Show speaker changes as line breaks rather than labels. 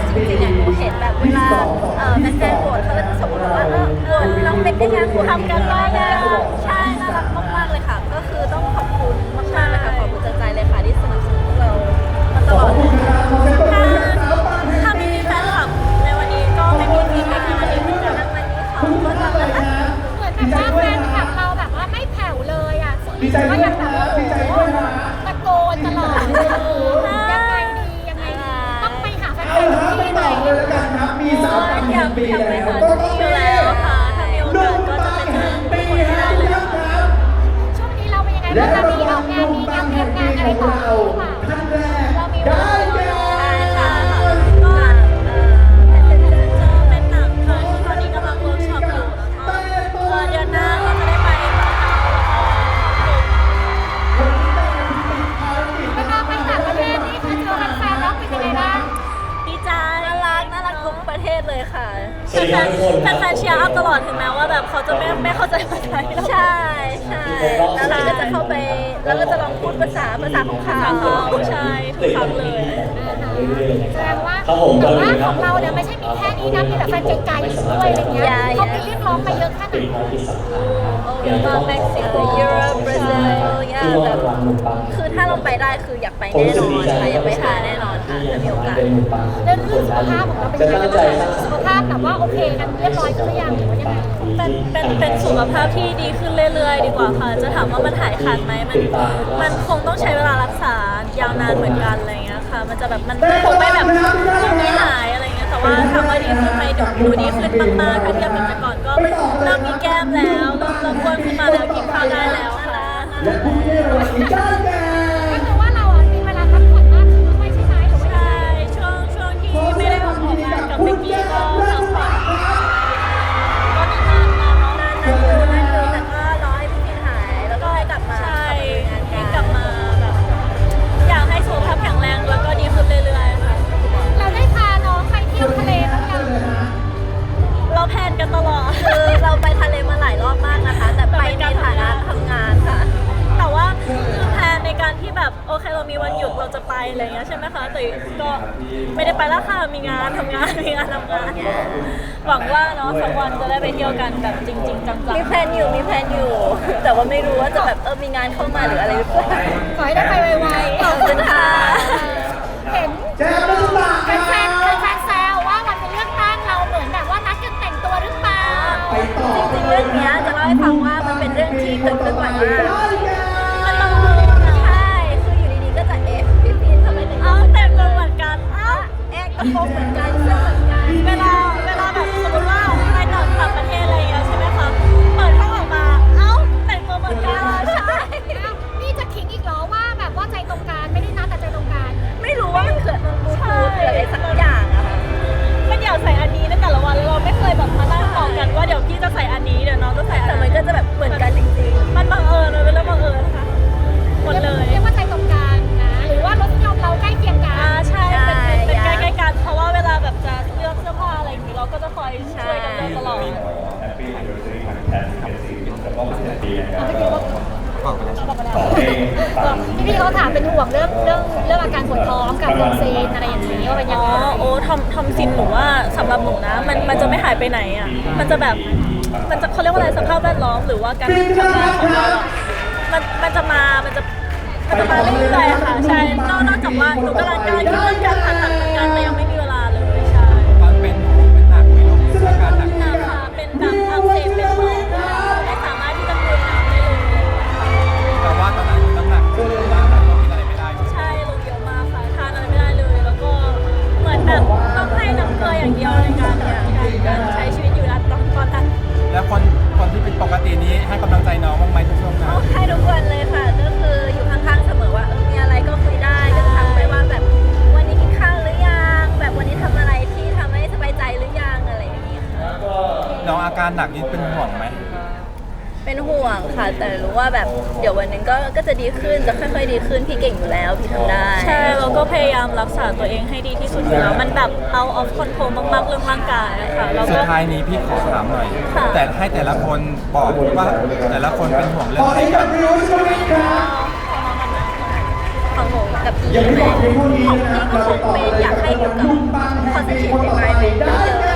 จริงๆหนูเห็นแบบเวลาแฟนๆโหวตเขาก็จะส่งมาบอกว่าโหวตน้องเป็นได้ยังทำกันบ้างยังใช่น่ารักมากๆเลยค่ะก็คือต้องขอบคุณมากๆเลยค่ะขอบคุณจากใจเลยค่ะที่สนับสนุนพวกเรามาตลอดถ้าไม่มีแฟนคลับในวันนี้ก็ไม่มีฟีดแบ็กในวันนี้เหมือนกันวันนี้เขาก็จะ
เหมือนแบบว่าแฟนคลับเราแบบว่าไม่แผ่วเลยอ่ะก็ยังแบบโอ้โหตะโกนตลอดยังไงดีต้องไปหาแฟนๆทุกที่เลย
อยากไปหาทุกที่อยู่แล้วค่ะถ้ามีโอกาสก็จะไปเจอทุกคนให้ได้เลยค่ะ
ช่วงนี้เราเป็นยังไงบ้างมีออกงานมีงานเตรียมงานอะไรต่อหรือเปล่าเรามีเวลา
ใช่ค่ะก็เป็นหนังค่ะที่ตอนนี้กำลังเวิร์กช็อปอยู่แล้วก็เดือนหน้าเราจะได้ไป
เวลาไปต่างประเทศนี่คือเจอแฟนๆแล้วเป็นยังไงบ้าง
ดีใจน่ารักทุกประเทศเลยค่ะแฟนเชียร์อัพตลอดถึงแม้ว่าแบบเขาจะไม่เข้าใจภาษาไทยใช่แล้วเราก็จะเข้าไปแล้วก็จะลองพูดภาษาของเขาใช่ทุกครั้งเลย
แสดงว่าแต่ว่าของเราเนี่ยไม่ใช่มีแค่นี้นะมีแบบแฟนไกลๆด้วยอะไรเงี้ยเขาไปเรียกร้องไปเยอะแค่ไหน
เม็กซิโกยุโรปบราซิลแบบคือถ้าเราไปได้คืออยากไปแน่นอนค่ะอยากไปหาแน่นอนค่ะถ้ามีโอกาส
เรื่องสุขภาพของเราเป็นยังไงบ้างสุขภาพแบบว่าโอเคกันเรียบร้อยหรือยังหรือว่ายังไง
เป็นสุขภาพที่ดีขึ้นเรื่อยๆดีกว่าค่ะจะถามว่ามันหายขาดไหมมันคงต้องใช้เวลารักษายาวนานเหมือนกันอะไรเงี้ยค่ะมันจะแบบมันคงไม่แบบไม่หายอะไรเงี้ยแต่ว่าถามว่าดีขึ้นไหมดูดีขึ้นมากๆถ้าเทียบกับแต่ก่อนก็เริ่มมีแก้มแล้วเริ่มอ้วนขึ้นมาแล้วกินข้าวได้แล้วค่ะ
ก็คือว่าเราอ่ะมีเวลาพักผ่อนมากขึ้นด้วยใช่ไหมหรือว่า
ใช่ช่วงที่ไม่ได้ออกงานกับเบกกี้ก็พักผ่อนก็นานๆเนาะนานอยู่แต่ก็รอให้พี่พินหายแล้วก็ให้กลับมาให้กลับมาแบบอยากให้สุขภาพแข็งแรงแล้วก็ดีขึ้นเรื่อยๆค่ะ
เราได้พาน้องไปเที่ยวทะเลบ้างยัง
เราแพลนกันตลอดคือเราไปทะเลมาหลายรอบมากนะคะแต่ไปในฐานะทำงานค่ะแต่ว่าคือแพลนในการที่แบบโอเคเรามีวันหยุดเราจะไปอะไรเงี้ยใช่ไหมคะแต่ก็ไม่ได้ไปแล้วค่ะมีงานทำงานหวังว่าเนาะสักวันจะได้ไปเที่ยวกันแบบจริงๆจังๆมีแพลนอยู่แต่ว่าไม่รู้ว่าจะแบบมีงานเข้ามาหรืออะไรหรือเปล่า
ขอให้ได้ไปไวๆ
ขอบคุณค่ะ
เห็นแฟนแซวว่าวันเป็นเรื่องตั้งเราเหมือนแบบว่านัดกันแต่งตัวหรือเปล่า
จริงๆเรื่องนี้จะเล่าให้ฟังว่ามันเป็นเรื่องที่เกิดขึ้นบ่อยมากมันบังเอิญใช่คืออยู่ดีๆก็จะพี่พีนทำไมแต่งตัวเหมือนกันกระโปรงเหมือนกันเสื้อเหมือนกันเวลาแบบสมมติว่าไปต่างประเทศอะไรอย่างเงี้ยใช่ไหมคะเปิดห้องออกมาแต่งตัวเหมือนกันใช่
นี่จะขิงอีกเหรอว่าแบบว่าใจตรงกันไม่ได้นัดแต่ใจตรงกัน
ไม่รู้ว่ามันเกิดบูทูธหรืออะไรสักอย่างอะค่ะมันอยากใส่อันนี้ในแต่ละวันแล้วเราไม่เคยแบบมานั่งบอกกันว่าเดี๋ยวพี่จะใส่อันนี้เดี๋ยวน้องจะใส่อันนี้แต่มันก็จะแบบเหมือนกันจริงๆมันบังเอิญมันเป็นเรื่องบังเอิญค่ะหมดเลย
เรียกว่าใจตรงกันนะหรือว่ารสนิยมเราใกล้เคียงกัน
ใช่เป็นใกล้ๆกันเพราะว่าเวลาแบบจะเลือกเสื้อผ้าอะไรอย่างนี้เราก็จะคอยช่วยกันเลือกตลอด
พี่เขาถามเป็นห่วงเรื่องอาการปวดท้องกับลมซีนอะไรอย่างนี้ว่าเป็นยังไง
ทำซินหนูว่าสำหรับหนูนะมันจะไม่หายไปไหนอ่ะมันจะแบบมันจะเขาเรียกว่าอะไรสภาพแวดล้อมหรือว่าการทำงานของเราอ่ะมันจะมาเรื่อยๆค่ะใช่นอกจากว่าหนูกำลังการผ่าตัดเหมือนกันแต่ยังไม่มีเวลาเลยใช่
ตอนเป็นหนักไหมลูกอาการหนัก
ค่ะเป็นแบบอักเสบเป็นหอบไม่สามารถที่จะกลืนน้ำได้เลย
แต่ว่าตอนนั้นน้ำหนักกินอะไรไม่ได้
ใช่ลงเยอะมากค่ะทานอะไรไม่ได้เลยแล้วก็เหมือนแบบต้องให้น้ำเกลืออย่างเดียวในการใช้ชีวิตอยู่นะตอนนั้น
แล้วคนที่เป็นปกตินี้ให้กำลังใจน้องบ้างไหมทุกช่วงนั้น
ให้ทุกวันเลยค่ะก็คืออยู่ข้างๆเสมอว่ามีอะไรก็คุยได้ก็จะถามไปว่าแบบวันนี้กินข้าวหรือยังแบบวันนี้ทำอะไรที่ทำให้สบายใจหรือยังอะไรอย่างนี้ค่ะ
น้องอาการหนักนี้เป็นห่วงไหม
เป็นห่วงค่ะแต่รู้ว่าแบบเดี๋ยววันนึงก็จะดีขึ้นจะค่อยๆดีขึ้นพี่เก่งอยู่แล้วพี่ทำได้ใช่เราก็พยายามรักษาตัวเองให้ดีที่สุดอยู่แล้วมันแบบout of control มากๆเรื่องร่างกายค่ะ
สุดท้ายนี้พี่ขอถามหน่อยแต่ให้แต่ละคนบอกว่าแต่ละคนเป็นห่วงเรื่องอะไรกัน
ของหนูพี่ไหมของพี่ก็คงเป็นอยากให้อยู่กับ positive environment เยอะ